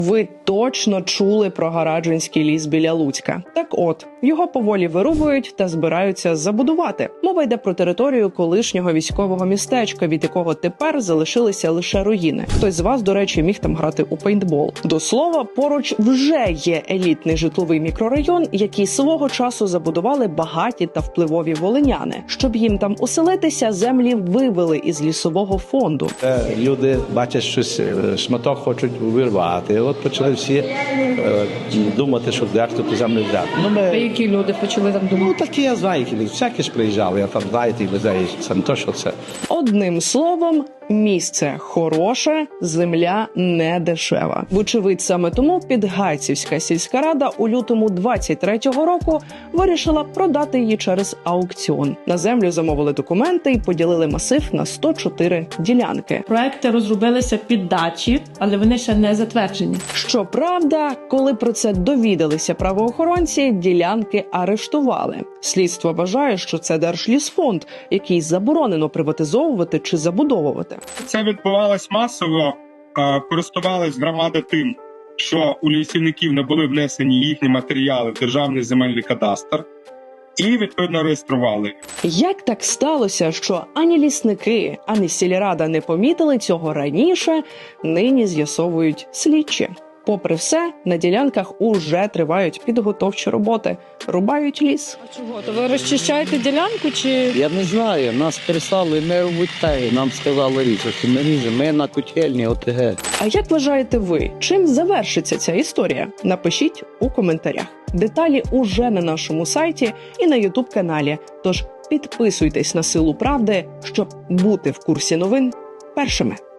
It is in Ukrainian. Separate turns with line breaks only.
Ви точно чули про Гараджинський ліс біля Луцька. Так от, його поволі вирубують та збираються забудувати. Мова йде про територію колишнього військового містечка, від якого тепер залишилися лише руїни. Хтось з вас, до речі, міг там грати у пейнтбол. До слова, поруч вже є елітний житловий мікрорайон, який свого часу забудували багаті та впливові волиняни. Щоб їм там оселитися, землі вивели із лісового фонду.
Люди бачать щось, шматок хочуть вирвати. От почали всі думати, що дехто ту землю взяти.
А які люди почали там думати?
Такі, я знаю, які всякі ж приїжджали, я там, знаєте, людей, це не то, що це.
Одним словом, місце хороше, земля не дешева. Вочевидь, саме тому Підгайцівська сільська рада у лютому 23-го року вирішила продати її через аукціон. На землю замовили документи і поділили масив на 104 ділянки.
Проекти розробилися під дачі, але вони ще не затверджені.
Щоправда, коли про це довідалися правоохоронці, ділянки арештували. Слідство вважає, що це Держлісфонд, який заборонено приватизовувати чи забудовувати.
Це відбувалось масово, користувались громади тим, що у лісівників не були внесені їхні матеріали в Державний земельний кадастр і, відповідно, реєстрували.
Як так сталося, що ані лісники, ані сільрада не помітили цього раніше, нині з'ясовують слідчі. Попри все, на ділянках уже тривають підготовчі роботи, рубають ліс.
А чого? То ви розчищаєте ділянку чи...
Я не знаю, нас переслали, ми робить те, нам сказали різати, ми ріжемо, ми на котельні ОТГ.
А як вважаєте ви, чим завершиться ця історія? Напишіть у коментарях. Деталі уже на нашому сайті і на YouTube-каналі, тож підписуйтесь на Силу Правди, щоб бути в курсі новин першими.